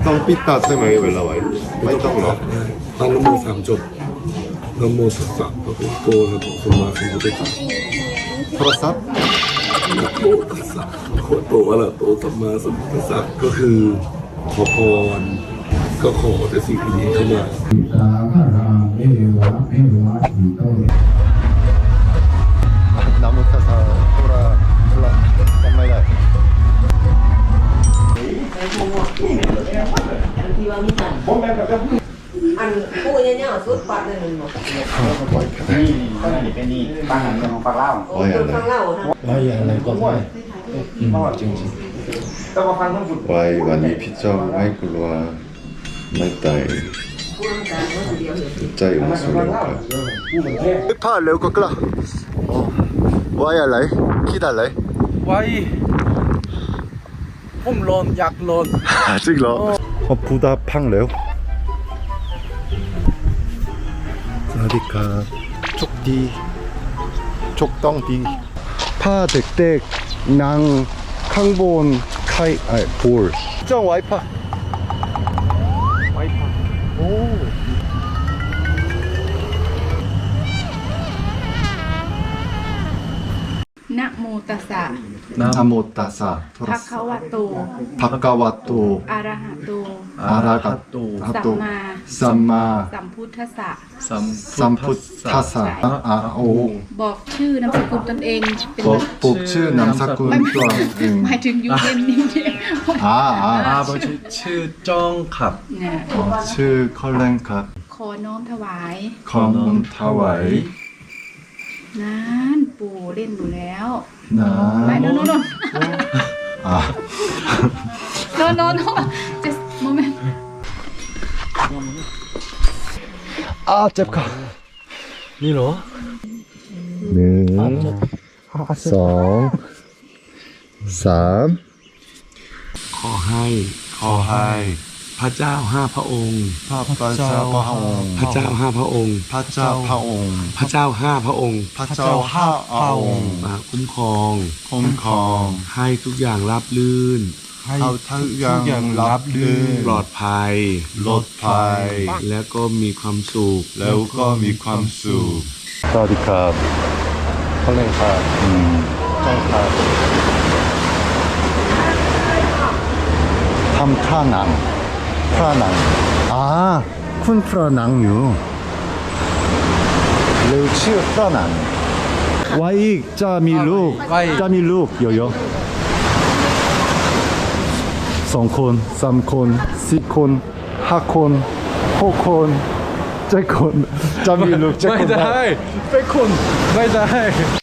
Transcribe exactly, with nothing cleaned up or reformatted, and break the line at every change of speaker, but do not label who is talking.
ต้องปิดตาใช่ไหมเวลาไหวไม่ต้องหรอก
ตั้งนโมสามจบนโมตัสสะพระพุทธโธนะโมสัมมาสัมพุทธัสสะ
โทรศัพท์
นะโมตัสสะพระพุทธโธอะระหะโตสัมมาสัมพุทธัสสะก็คือขอพรก็ขอแต่สิ่งดีๆเข้ามา
สาคาราเอวะเอวะอิโต
นามุทัสสะโทรโทรจำไม่ได้
อันผู้เนี่ยสุดปัดเลยหนึ่งหมด
นี่นี่เป็นนี่บ้านหลังเมืองของปากเล่า
โอ้ยฟังเล่านะ
ว่าอย่างไรก็ได้จริง
ต้องมาฟังทั้งหมด
ไว้วันนี้พี่เจ้าไม่กลัวไม่ตายใจมันสูงครับผ้าเร็วก็กล้าไว้อะไรคิดอะไร
ไว้ผมร้อนอยากร้อน
จริงเหรอพอพูดพังแล้วสวัสดีครับโชคดีโชคต้องดีผ้าเด็กๆนั่งข้างบนไข่ไอ้ปูลจ้องไว้ผ้า
ไว้พักโอ้
นะโมตัสสะ
นะโมตัสสะ
ภะคะวะโต
ภะคะวะโต
อะระหะโต
อะระหะโต
สัมมา
สัมมา
สัมพุทธัสสะ
สัมพุทธัสสะอะโอ
บอกชื่อนามสกุลตนเองเป็น
บอกปุกชื่อนามสกุลตัวเอง
หมายถึงยูเอ็นนี่เนี่ย
อ่าอ่า
อาบอกชื่อชื่อจ้องครับ
เนี่ย
ชื่อคอลเลนครับ
ขอน้อมถวาย
ขอมุนถวาย
นั้นปู่เล่นอยู่แล้ว
นะ
ไม่โนโนโน
อ่า
โนโนโน just moment
อ่าเจ็บค่ะ
นี่เหรอ
หนึ่งสองสาม
ขอให้
ขอให้
พระเจ้าห้าพระองค์
พระพระเจ้าพระองค์
พระเจ้าห้าพระองค์
พระเจ้าพระองค์
พระเจ้าห้าพระองค์
พระเจ้าห้าพระองค์
มาคุ้มครอง
คุ้มครอง
ให้ทุกอย่างราบรื่น
เอาทุกอย่างรับลื่น
ปลอดภัย
ปลอดภัย
แล้วก็มีความสุข
แล้วก็มีความสุขสวัสดีครับคอลเลนครับอืมจ้องครับทำท่าหนังท่าหนังอ่าคุณพระหนังอยู่เร็วชื่อพระหนังไว้อีกจะมีลูกจะมีลูกเยอะๆสองคนสามคนสี่คนห้าคนหกคนเจ็ดคนจะมีลูกเจ็ดคน
ไม่ได้เป็นคนไม่ได้